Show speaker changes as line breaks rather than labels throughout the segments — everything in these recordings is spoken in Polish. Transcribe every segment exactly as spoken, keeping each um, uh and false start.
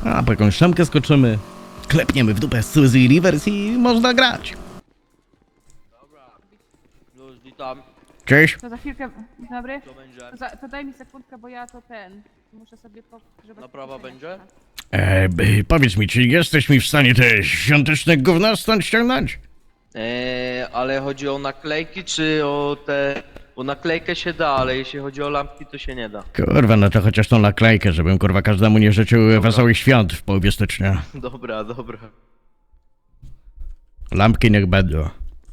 A po jakąś szemkę skoczymy, klepniemy w dupę Suzy Rivers i można grać.
Dobra. Już witam.
Cześć.
To za chwilkę, dzień dobry.
Co będzie?
To, za, to daj mi sekundkę, bo ja to ten, muszę sobie pogrzebać.
Naprawa
kieszenie.
będzie?
E, b- powiedz mi, czy jesteś mi w stanie te świąteczne gówna stąd ściągnąć?
Eee, ale chodzi o naklejki, czy o te... Bo naklejkę się da, ale jeśli chodzi o lampki, to się nie da.
Kurwa, no to chociaż tą naklejkę, żebym kurwa każdemu nie życzył wesołych świąt w połowie stycznia.
Dobra, dobra.
Lampki niech będą.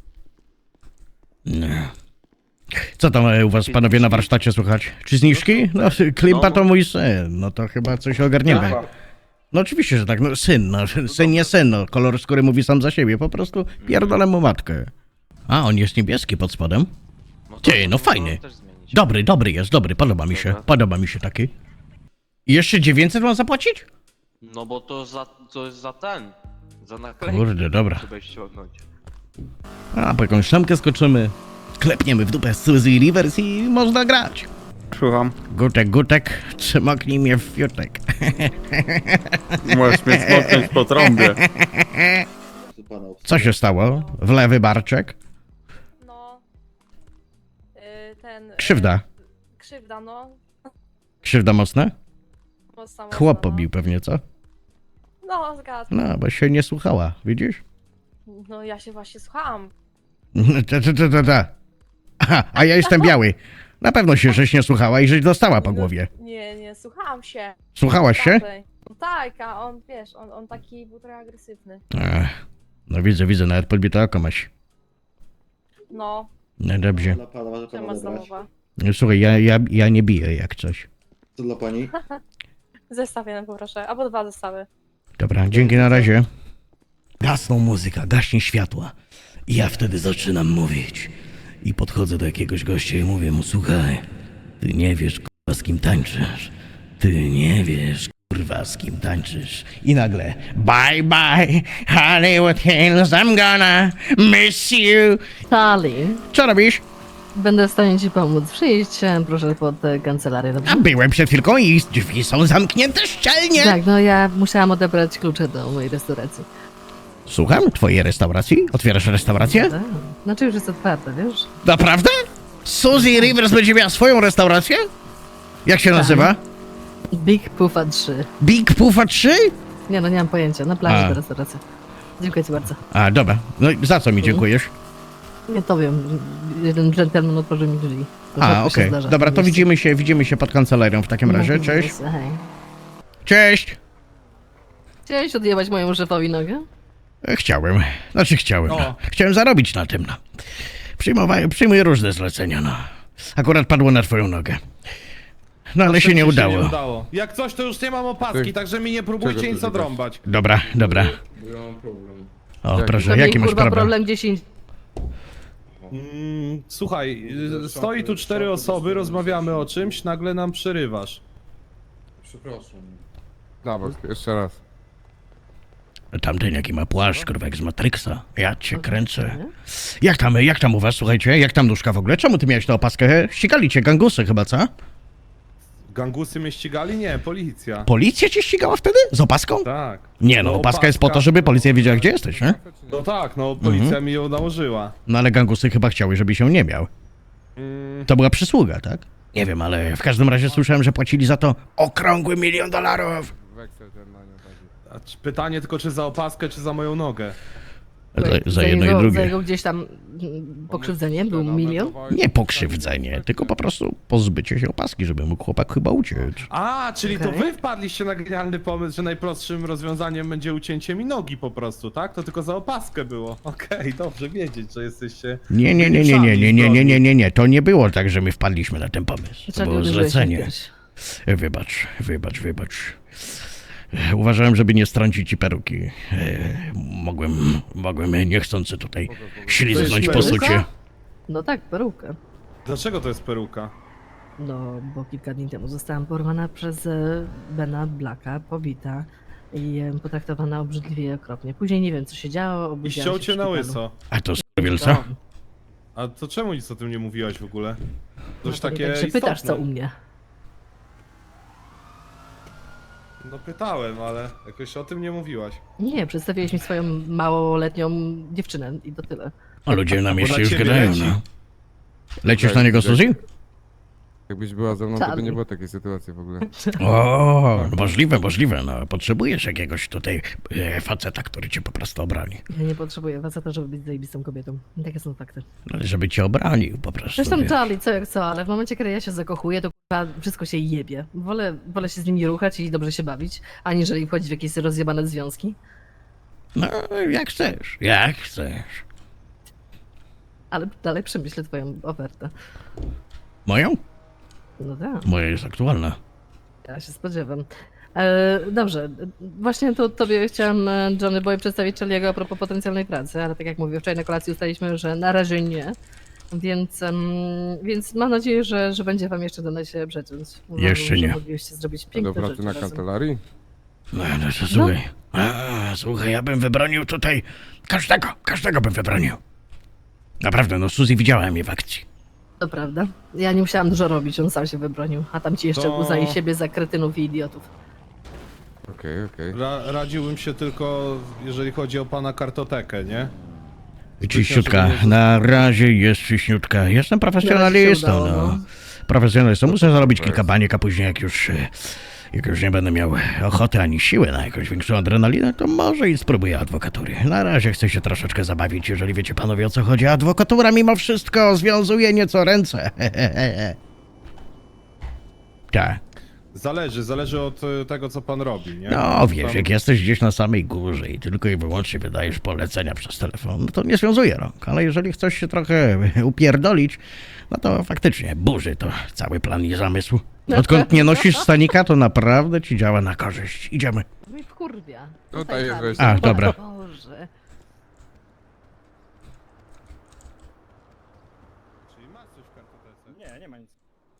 Nie. Co tam e, u was panowie na warsztacie słychać? Czy zniżki? No, Klimpa to mój syn, no to chyba coś ogarniemy. No oczywiście, że tak, no syn, no syn nie syn, no kolor skóry mówi sam za siebie, po prostu pierdolę mu matkę. A, on jest niebieski pod spodem?
No
Ty,
to
no
można
fajny.
też zmienić.
Dobry, dobry jest, dobry, podoba mi się,
Dobra.
podoba mi się taki. I jeszcze dziewięćset mam zapłacić?
No bo to za, to jest za ten. Za naklejki.
Kurde, dobra.
Trzeba ściągnąć.
A po jakąś szemkę skoczymy, klepniemy w dupę Suzy Rivers i można grać.
Słucham.
Gutek, gutek, trzymoknij mnie w fiutek.
Możesz mnie smotnąć po trąbie.
Co się stało? W lewy barczek?
No. y, Ten. y,
Krzywda.
Krzywda, no.
Krzywda mocna?
Mocna,
Chłop
mocna,
pobił pewnie, co?
No, no zgadzam.
No, bo się nie słuchała, widzisz?
No ja się właśnie słuchałam.
Ta, ta, ta, ta, ta. Aha, a ja jestem biały. Na pewno się żeś nie słuchała i żeś dostała po głowie.
Nie, nie, słuchałam się.
Słuchałaś się?
Tamtej. No tak, a on, wiesz, on, on taki był trochę agresywny.
Ech, no widzę, widzę, nawet podbite oko maś.
No,
No dobrze.
Dla pana może pana
temat
odebrać.
zamowa.
No, słuchaj, ja, ja, ja nie biję jak coś.
Co dla pani?
Zestaw jeden poproszę, albo dwa zestawy.
Dobra, dzięki na razie. Gasną muzyka, gaśnie światła. I ja wtedy zaczynam mówić. I podchodzę do jakiegoś gościa i mówię mu, słuchaj, ty nie wiesz, kurwa, z kim tańczysz. Ty nie wiesz, kurwa, z kim tańczysz. I nagle, bye bye, Hollywood Hills, I'm gonna miss you.
Charlie,
Co robisz?
będę w stanie ci pomóc. Przyjdź, e, proszę, pod e, kancelarię, dobrze?
A byłem przed chwilką i drzwi są zamknięte szczelnie.
Tak, no ja musiałam odebrać klucze do mojej restauracji.
Słucham, twojej restauracji? Otwierasz restaurację?
Tak. Znaczy już jest otwarte, wiesz?
Naprawdę? Suzy Rivers będzie miała swoją restaurację? Jak się nazywa?
Big Puffa trzy.
Big Puffa trzy?
Nie no, nie mam pojęcia. Na plaży
A.
ta restauracja. Dziękuję ci bardzo.
A, dobra. No i za co mi dziękujesz?
Nie to wiem. Jeden gentleman otworzył mi drzwi. To
A,
rzadko się
okej.
zdarza.
Dobra, to
Wiesz.
widzimy się, widzimy się pod kancelarią w takim razie. Cześć.
Hej.
Cześć.
Chciałeś odjebać mojemu szefowi nogę?
E, Chciałem. Znaczy chciałem. No. Chciałem zarobić na tym, no. Przyjmowałem, przyjmuję różne zlecenia, no. Akurat padło na twoją nogę. No ale się nie udało.
nie udało. Jak coś, to już nie mam opaski, także mi nie próbujcie nic odrąbać.
Dobra, dobra.
Ja mam problem.
O, proszę,
To
jaki
miej,
masz
kurwa,
problem?
problem dziesięć.
Mm, słuchaj, y, stoi tu cztery osoby, rozmawiamy o czymś, nagle nam przerywasz.
Przepraszam. Dobra, jeszcze raz.
Tamten jaki ma płaszcz, kurwa, jak z Matrixa. Ja cię kręcę. Jak tam, jak tam u was, słuchajcie? Jak tam nóżka w ogóle? Czemu ty miałeś tę opaskę? Ścigali cię gangusy chyba, co?
Gangusy mnie ścigali? Nie, policja.
Policja cię ścigała wtedy? Z opaską?
Tak.
Nie no, opaska jest po to, żeby policja wiedziała, gdzie jesteś, nie?
No tak, no policja mi ją nałożyła.
No ale gangusy chyba chciały, żeby się nie miał.
Mm,
To była przysługa, tak? Nie wiem, ale w każdym razie słyszałem, że płacili za to okrągły milion dolarów.
Weksel ten na nią taki.
a czy- pytanie tylko, czy za opaskę, czy za moją nogę?
Za, za jedno
jego,
i
Za
drugie.
jego gdzieś tam mm, pokrzywdzenie był milion?
Nie pokrzywdzenie, tylko po prostu pozbycie się opaski, żeby mógł chłopak chyba uciec.
A, czyli to
Okej.
wy wpadliście na genialny pomysł, że najprostszym rozwiązaniem będzie ucięcie mi nogi po prostu, tak? To tylko za opaskę było. Okej, dobrze wiedzieć, że jesteście...
Nie, nie, nie, nie, nie, nie, nie, nie, nie, nie, nie, to nie było tak, że my wpadliśmy na ten pomysł. To
Dlaczego
było
uderzyłeś mnie
zlecenie.
kiedyś?
Wybacz, wybacz, wybacz. Uważałem, żeby nie strącić ci peruki. E, Mogłem, mogłem niechcący tutaj ślizgnąć po
peruka?
sucie.
No tak, perukę.
Dlaczego to jest peruka?
No, bo kilka dni temu zostałam porwana przez e, Bena Blacka, pobita i e, potraktowana obrzydliwie i okropnie. Później nie wiem, co się działo,
I
obudziłam
ściął
się w
cię na
szpitalu.
łyso.
A to wielca?
A to czemu nic o tym nie mówiłaś w ogóle? Dość
No to nie
takie
tak się pytasz, co
istotne.
u mnie.
No pytałem, ale jakoś o tym nie mówiłaś.
Nie, przedstawiłeś mi swoją małoletnią dziewczynę i to tyle.
A ludzie na
Bo
mieście
dla
już
ciebie
gadają,
leci.
no. Lecisz
Tak,
na niego,
tak.
Suzy?
Jakbyś była ze mną, to by
Czarny.
nie było takiej sytuacji w ogóle.
O, no możliwe, możliwe, no. Potrzebujesz jakiegoś tutaj e, faceta, który cię po prostu obroni.
Ja nie potrzebuję faceta, żeby być zajebistą kobietą. Takie są fakty.
No, żeby cię obronił po prostu.
Zresztą
wiesz.
Charlie, co jak co, ale w momencie, kiedy ja się zakochuję, to kurwa wszystko się jebie. Wolę, wolę się z nimi ruchać i dobrze się bawić, aniżeli wchodzić w jakieś rozjebane związki.
No, jak chcesz, jak chcesz.
Ale dalej przemyślę twoją ofertę.
Moją?
No tak.
Moja jest aktualna.
Ja się spodziewam. E, dobrze, właśnie to tobie chciałam, e, Johnny Boy, przedstawić Charlie'ego a propos potencjalnej pracy, ale tak jak mówię, wczoraj na kolacji ustaliliśmy, że na razie nie. Więc, em, więc mam nadzieję, że, że będzie wam jeszcze dane się przeciąć. Uważam,
Jeszcze
że
nie.
mogliście zrobić
A do
piękne
pracy
rzeczy
na
razem.
kancelarii?
No, no to słuchaj. A, słuchaj, ja bym wybronił tutaj każdego, każdego bym wybronił. Naprawdę, no Suzy widziała mnie w akcji.
To prawda. Ja nie musiałam dużo robić, on sam się wybronił. A tam ci jeszcze
To-
uznaje siebie za kretynów i idiotów.
Okej, okej.
Ra radziłbym się tylko, jeżeli chodzi o pana kartotekę, nie?
Czyściutka, na razie jest czyściutka. Jestem profesjonalistą,
udało,
no.
no.
Profesjonalistą. Muszę zarobić kilka baniek, a później jak już, e, jak już nie będę miał ochoty ani siły na jakąś większą adrenalinę, to może i spróbuję adwokatury. Na razie chcę się troszeczkę zabawić, jeżeli wiecie panowie o co chodzi. Adwokatura mimo wszystko związuje nieco ręce. Tak.
Zależy, zależy od y, tego, co pan robi, nie?
No wiesz,
Tam-
jak jesteś gdzieś na samej górze i tylko i wyłącznie wydajesz polecenia przez telefon, no to nie związuje rąk. Ale jeżeli chcesz się trochę upierdolić, no to faktycznie burzy to cały plan i zamysł. Odkąd nie nosisz stanika, to naprawdę ci działa na korzyść. Idziemy.
Mi wkurwia.
Tutaj jest
Charlie.
wejście.
A, dobra.
Boże.
Czyli masz coś w kartotece?
Nie, nie ma nic.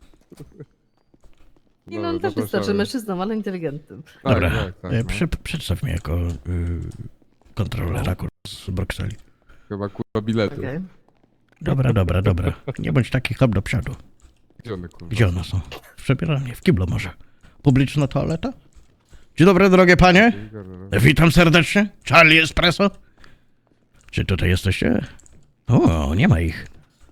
Nie no, on też wystarczy mężczyzną, ale inteligentnym.
Tak,
Dobra,
tak, tak,
e,
no.
prze, przedstaw mnie jako y, kontrolera kurwa, z Brukseli.
Chyba kurwa bilety.
Okej.
Dobra, dobra, dobra. Nie bądź taki hop do przodu.
Gdzie one kurwa?
Gdzie one są? W przebieralni, w kiblu może. Publiczna toaleta? Dzień dobry, drogie panie. Witam serdecznie. Charlie Espresso. Czy tutaj jesteście? O, nie ma ich.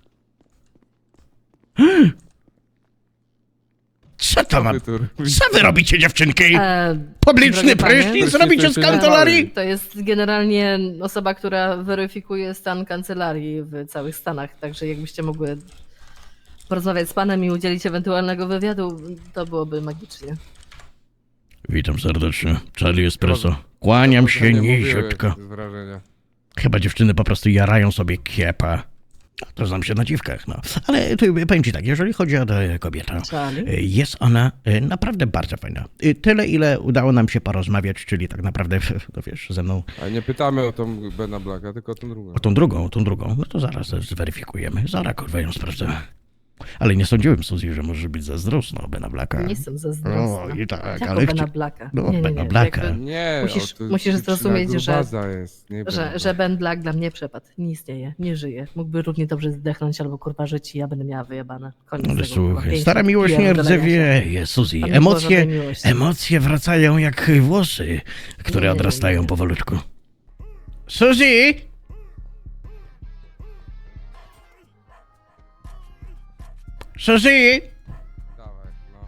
Co to ma? Co wy robicie, dziewczynki?
E,
Publiczny
drogie panie,
prysznic robicie z kancelarii?
To jest generalnie osoba, która weryfikuje stan kancelarii w całych Stanach, także jakbyście mogły porozmawiać z panem i udzielić ewentualnego wywiadu, to byłoby magicznie.
Witam serdecznie. Charlie Espresso. Kłaniam się niziutko.
Z wrażenia.
Chyba dziewczyny po prostu jarają sobie kiepa. To znam się na dziwkach, no. Ale tu powiem ci tak, jeżeli chodzi o tę kobietę,
Charlie?
y, jest ona y, naprawdę bardzo fajna. Y, Tyle, ile udało nam się porozmawiać, czyli tak naprawdę, no wiesz, ze mną
Ale nie pytamy o tą Bena Blacka, tylko o tą drugą.
o tą drugą, tą drugą, no to zaraz zweryfikujemy. Zaraz kurwa ją sprawdzę. Ale nie sądziłem, Suzy, że możesz być zazdrosna o Bena Blacka.
Nie jestem zazdrosna.
O, i tak,
Jako
ale
Bena
chci-
Blacka.
No,
Nie, nie,
Bena
nie,
Blacka.
jakby-
Nie,
Musisz-
o, to
musisz
dziewczyna
zrozumieć, że-
grubaza jest, nie
Że,
Bena
że Ben Black dla mnie przepadł. Nie istnieje, nie żyje. Mógłby równie dobrze zdechnąć albo kurwa żyć i ja będę miała wyjebane. Koniec
Ale
tego, kurwa,
słuchaj,
piękna
stara miłość nie
pierdolenia się.
rdzewieje, Suzy.
Tam nie było
Emocje,
żadnej miłości.
emocje wracają jak włosy, które
Nie, nie, nie,
odrastają
nie.
powolutku. Suzy! Suzy!
Dawaj, no.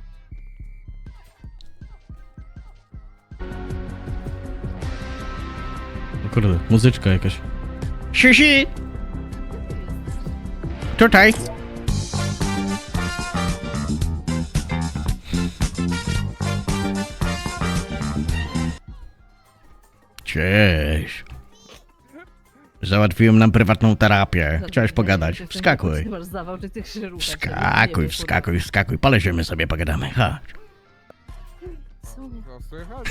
O kurde, muzyczka jakaś. Suzy! Tutaj! Cześć. Załatwiłem nam prywatną terapię. Chciałeś pogadać?
Ty
Wskakuj.
Nie masz zawał, czy ty się ruchasz.
Wskakuj, wskakuj, wskakuj. Poleziemy sobie, pogadamy. Chodź.
No słychać?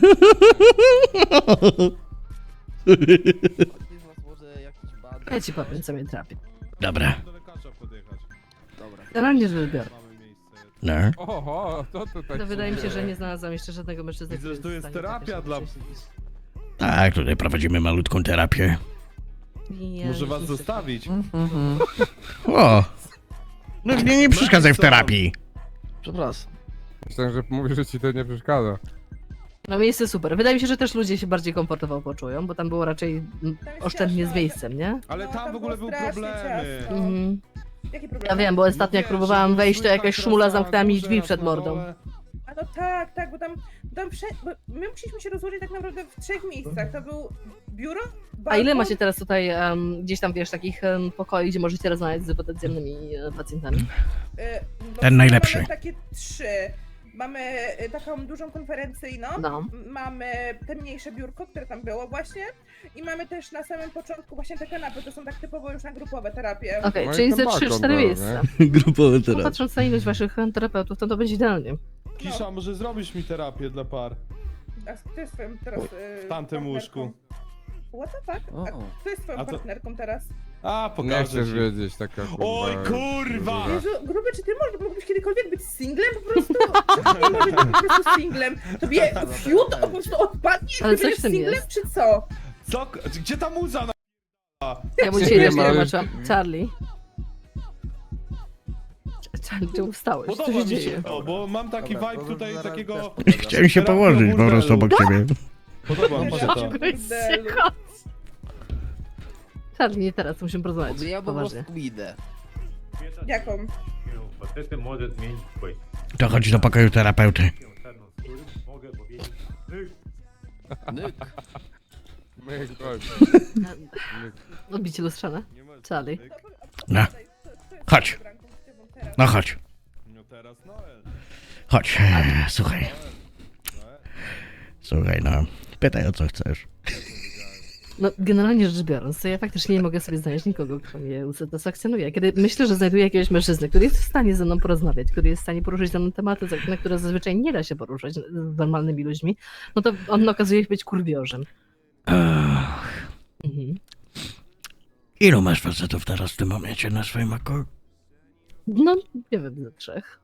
Ja ci powiem, co mnie trapi.
Dobra.
Do lekarza podjechać.
Generalnie rzecz biorąc.
Mamy miejsce.
No.
Oho, to tutaj
To wydaje mi się,
dzieje?
że nie znalazłam jeszcze żadnego mężczyzny,
Widzę,
który
że to jest
w stanie
terapia
tak
dla-
się siedzieć.
Tak, tutaj prowadzimy malutką terapię.
Ja
Może
już
was
nie chcę.
zostawić?
O! No nie, nie przeszkadzaj w terapii.
Przepraszam.
Myślałem, że mówisz, że ci to nie przeszkadza.
No miejsce super. Wydaje mi się, że też ludzie się bardziej komfortowo poczują, bo tam było raczej mm, oszczędnie z miejscem, nie?
Ale
No,
tam
tam
w ogóle
było
były
strasznie
problemy.
ciasno.
Mhm.
Jakie problemy?
Ja wiem, bo ostatnio jak
wiesz,
próbowałam
że
wejść, to
słychać
jakaś
raz
szmula
na
zamknęła mi
górze,
drzwi
raz
przed
na
mordą.
dole.
A no tak, tak, bo tam, tam prze... bo my musieliśmy się rozłożyć tak naprawdę w trzech miejscach. To był biuro, balkon,
A ile macie teraz tutaj em, gdzieś tam, wiesz, takich em, pokoi, gdzie możecie rozmawiać z potencjalnymi e, pacjentami?
y, no,
Ten najlepszy.
Mamy takie trzy. Mamy y, taką dużą konferencyjną,
No.
m- mamy te mniejsze biurko, które tam było właśnie i mamy też na samym początku właśnie te kanapy, to są tak typowo już na grupowe terapie.
Okej,
No i
czyli
ten
ze
balkon
trzy cztery
był,
miejsca.
Grupowy
No,
teraz.
patrząc na ilość waszych em, terapeutów, to to będzie idealnie.
Kisza, może zrobisz mi terapię dla par?
A kto jest twoim teraz y,
W tamtym
partnerką?
łóżku.
What the fuck? A kto jest twoją
A to-
partnerką teraz?
A,
Nie
pokażę
chcesz
ci.
wiedzieć, taka kurwa...
Oj, kurwa!
Jezu, gruby, czy ty możesz, mógłbyś kiedykolwiek być singlem po prostu? Czy ty możesz być po prostu singlem? Tobie fiut po prostu odpadnie,
Ale
Ale
coś
będziesz
w tym
singlem,
jest.
czy co?
Co? Gdzie ta muza na...
Ja mu
Nie
dzisiaj też
ma
nie
już-
tłumaczyłam. Charlie. Charlie, czemu wstałeś? Co
Podoba
się
mi się
dzieje?
to, bo mam taki
Dobra,
vibe
to
tutaj
zaraz
takiego...
też
Chciałem się
Terapia
położyć po prostu
burdelu.
obok ciebie.
Podoba mi się to.
Burdelu.
Charlie, nie teraz, musimy porozmawiać.
Ja po
Poważnie.
prostu idę.
Jaką?
Facetę może zmienić swój.
To chodź do pokoju terapeuty.
Czarną skórę, mogę powiedzieć. "Ty,
Nyk.
My, chodź.
Odbicie lustrzane? Charlie.
No. Chodź. No chodź.
No teraz Noel.
Chodź. Eee, Słuchaj. Słuchaj, no. Pytaj o co chcesz.
No, generalnie rzecz biorąc, to ja faktycznie nie mogę sobie znaleźć nikogo, kto mnie usatysfakcjonuje. Kiedy myślę, że znajduję jakiegoś mężczyznę, który jest w stanie ze mną porozmawiać, który jest w stanie poruszyć ze mną tematy, za- na które zazwyczaj nie da się poruszać z normalnymi ludźmi, no to on okazuje się być kurwiorzem.
Ach,
Mhm.
ilu masz facetów teraz w tym momencie na swoim oku?
No, nie wiem, ze trzech.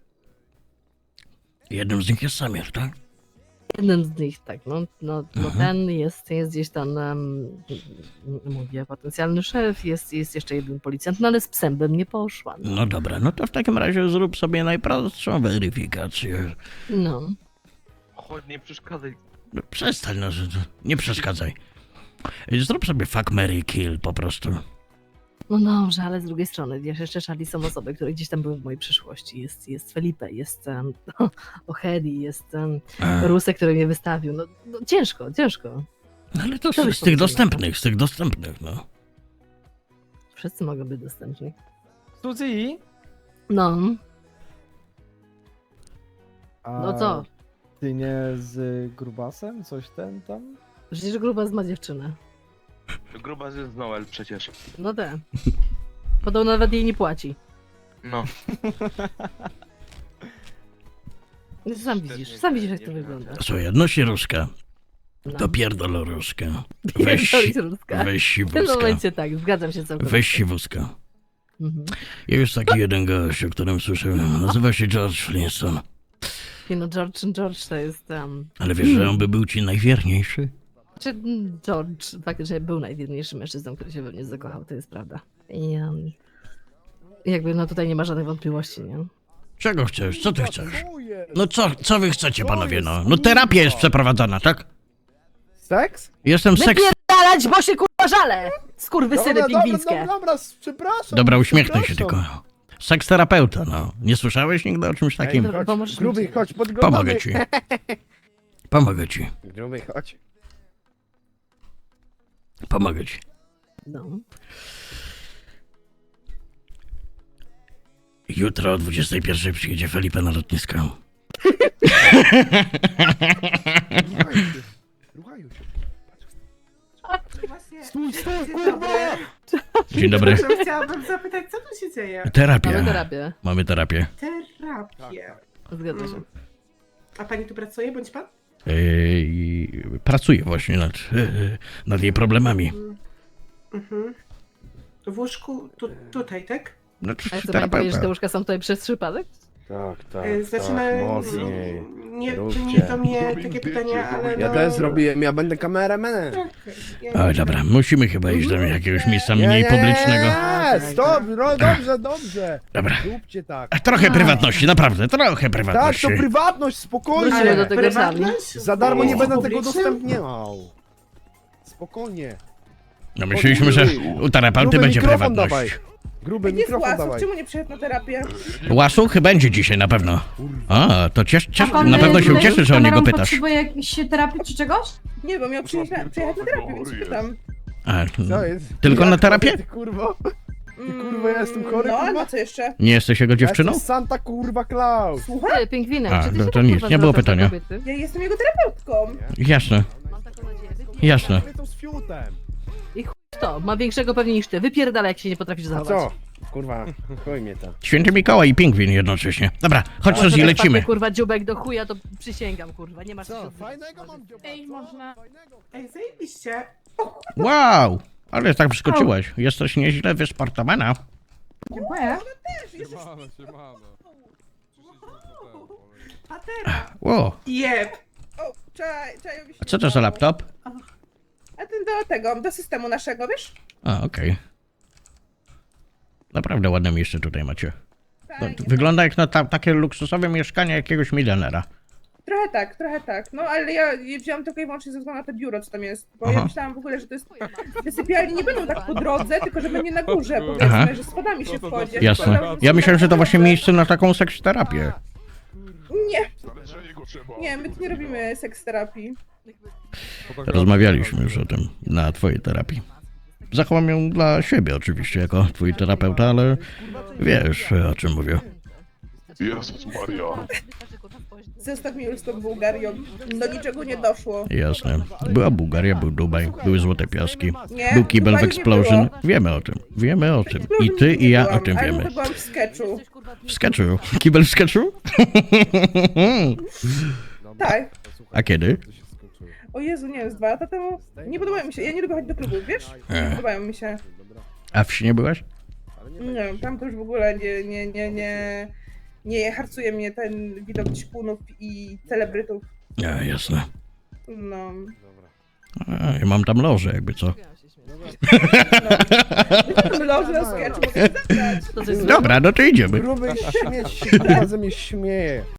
Jednym z nich jest Samir, tak?
Jeden z nich, tak, no, no, no
Mhm.
ten jest, jest gdzieś tam, um, mówię, potencjalny szef, jest, jest jeszcze jeden policjant, no ale z psem bym nie poszła. No.
No dobra, no to w takim razie zrób sobie najprostszą weryfikację.
no.
Chodź, nie przeszkadzaj.
No, przestań, no, że- nie przeszkadzaj. Zrób sobie fuck, marry, kill po prostu.
No dobrze, ale z drugiej strony, wiesz, jeszcze Charlie są osoby, które gdzieś tam były w mojej przyszłości. Jest, jest Felipe, jest um, Ohedi, jest um,
A,
Rusek, który mnie wystawił. No, no ciężko, ciężko.
no ale to
Co
z,
byś
z tych
powiedziała?
dostępnych, z tych dostępnych, no.
Wszyscy mogą być dostępni.
Suzy?
No,
A
no co?
Ty nie z grubasem? Coś ten tam?
Przecież Grubas ma dziewczynę.
Gruba jest Noel przecież.
No te. Podobno nawet jej nie płaci.
No.
No, sam widzisz, sam widzisz jak to wygląda.
Słuchaj, odnośnie Ruska,
No.
to pierdol Ruska. Weź,
Pierdolić Ruska.
weź
W tym
siwuska.
momencie tak, zgadzam się całkowicie.
Weź siwuska.
Mhm.
Jest taki jeden gość, o którym słyszałem. Nazywa się George Flintstone.
Nie no, George George to jest... Um,
Ale wiesz, że on by był ci najwierniejszy?
Czy mm, George faktycznie był najwierniejszym mężczyzną, który się we mnie zakochał, to jest prawda. I um, jakby no tutaj nie ma żadnych wątpliwości, nie?
Czego chcesz? Co ty chcesz?
Co jest?
No co, co wy chcecie, panowie, no? No terapia jest przeprowadzana, tak?
Seks?
Jestem seks...
Wypierdalać, bo się kurwa żale! Skurwysyny
dobra,
pingwińskie!
dobra, dobra, przepraszam.
Dobra, uśmiechnij się
przepraszam.
tylko. Seksterapeuta, no. Nie słyszałeś nigdy o czymś takim?
Dobra, pomożesz mi?
Gruby, chodź, podglądamy.
Pomogę ci. Pomogę ci.
Gruby, chodź.
Pomogę ci.
No.
Jutro o dwudziestej pierwszej przyjedzie Felipe na lotnisko.
Ruchają się. Ruchają się.
Właśnie,
Stój, stój,
dzień
kurwa!
dobry.
Dzień dobry.
Przepraszam, chciałabym zapytać, co tu się dzieje?
Terapia.
Mamy terapię.
Mamy terapię.
Terapię.
Zgadza się.
A pani tu pracuje, bądź pan?
Yy, pracuję właśnie nad, yy, nad jej problemami.
Mhm. W łóżku tu, tutaj, tak?
No,
A chcę pani powiedzieć, że te łóżka są tutaj przez przypadek?
Tak, tak,
Y, Zaczyna...
tak, mocniej.
Nie, to
Róbcie.
nie do mnie takie pytania, ale
Ja
no...
też zrobiłem, ja będę kameramanem.
Ja
Oj, dobra, musimy chyba iść do jakiegoś miejsca mniej publicznego.
Nie, stop, no dobrze, dobrze.
Dobra.
Róbcie tak.
Trochę prywatności, naprawdę, trochę
Tak,
prywatności.
to prywatność, spokojnie.
Wrócimy do tego sami.
Za darmo nie będę tego
Publicznym?
udostępniał. Spokojnie.
No myśleliśmy, że u terapeuty
Gruby
będzie
mikrofon
prywatność.
dawaj. Gruby
Nie z
mikrofon
łasów,
dawaj.
czemu nie przyszedł na terapię?
Łasuch będzie dzisiaj na pewno. A, to ciesz, ciesz,
A pan,
na pewno się
tutaj
ucieszy, że o niego
kamerą
pytasz.
potrzebuje jakiejś terapii czy czegoś?
Nie, bo miał przyjechać na, przyjechać na terapię, więc się pytam.
A,
Co jest?
tylko na
Jak
terapię?
Ty kurwo? Ty kurwa, ja jestem chory,
No, a
kurwa?
na co jeszcze?
Nie jesteś jego
Ja
dziewczyną?
jestem Santa kurwa Klaus.
Ty, pingwinek,
A,
czy ty
no
się
to
tak,
nic,
kurwa,
nie było
zwracasz do
pytania.
kobiety?
Ja jestem jego terapeutką.
Jasne,
Mam taką nadzieję.
jasne.
To z fiutem.
I chuj w to, ma większego pewnie niż ty. Wypierdala, jak się nie potrafisz
A
zachować.
co? Kurwa, chuj mnie to.
Święty Mikołaj i pingwin jednocześnie. Dobra, chodź Rozi,
Jak
lecimy.
wpadnie, kurwa, dziubek do chuja, to przysięgam, kurwa, nie masz
Co?
co
Fajnego mam dzioba.
Ej, można...
Ej, zajebiście.
Wow, ale tak wyskoczyłaś. Jesteś nieźle wysportowana.
Dziękuję.
Siemano, siemano.
Patera.
Wow,
Jeb. O, czaj, czajowi się
a co to za laptop?
A ten do tego, do systemu naszego, wiesz?
A, okej. Naprawdę ładne miejsce tutaj macie. No,
Fajnie.
wygląda jak na ta, takie luksusowe mieszkanie jakiegoś milionera.
Trochę tak, trochę tak. No ale ja je wziąłam tylko i wyłącznie ze względu na to biuro, co tam jest. Bo
Aha.
ja myślałam w ogóle, że to jest... Te sypialnie nie będą tak po drodze, tylko że będzie na górze,
Aha.
powiedzmy, że schodami się wchodzi.
Jasne. Ja myślałem, że to właśnie miejsce na taką seks terapię.
Nie. Nie, my tu nie robimy seks terapii.
Rozmawialiśmy już o tym na twojej terapii. Zachowam ją dla siebie oczywiście, jako twój terapeuta, ale wiesz, o czym mówię.
Jezus Maria.
Zostaw mi już z tą Bułgarią. Do niczego nie doszło.
Jasne. Była Bułgaria, był Dubaj, były Złote Piaski,
Nie,
był Kibel w
Dubaju nie
Explosion.
było.
Wiemy o tym, wiemy o tym. I
Explosion
ty
nie
i ja o
byłam,
tym
ale
wiemy.
to byłam w sketchu.
W sketchu? Kibel w sketchu?
Tak.
A kiedy?
O Jezu, nie wiem, z dwa lata temu. Nie podobają mi się, ja nie lubię chodzić do klubów, wiesz? Nie
Ech.
podobają mi się.
A w śnie byłaś?
Nie wiem, tam to już w ogóle nie, nie, nie, nie, nie harcuje mnie ten widok ćpunów i celebrytów.
A, jasne.
No.
A, ja mam tam loże, jakby co.
no. Loży na sketchu, mogę zabrać.
To jest
Dobra, no to idziemy.
Gruby śmieć się, kurwa, ze mnie śmieje.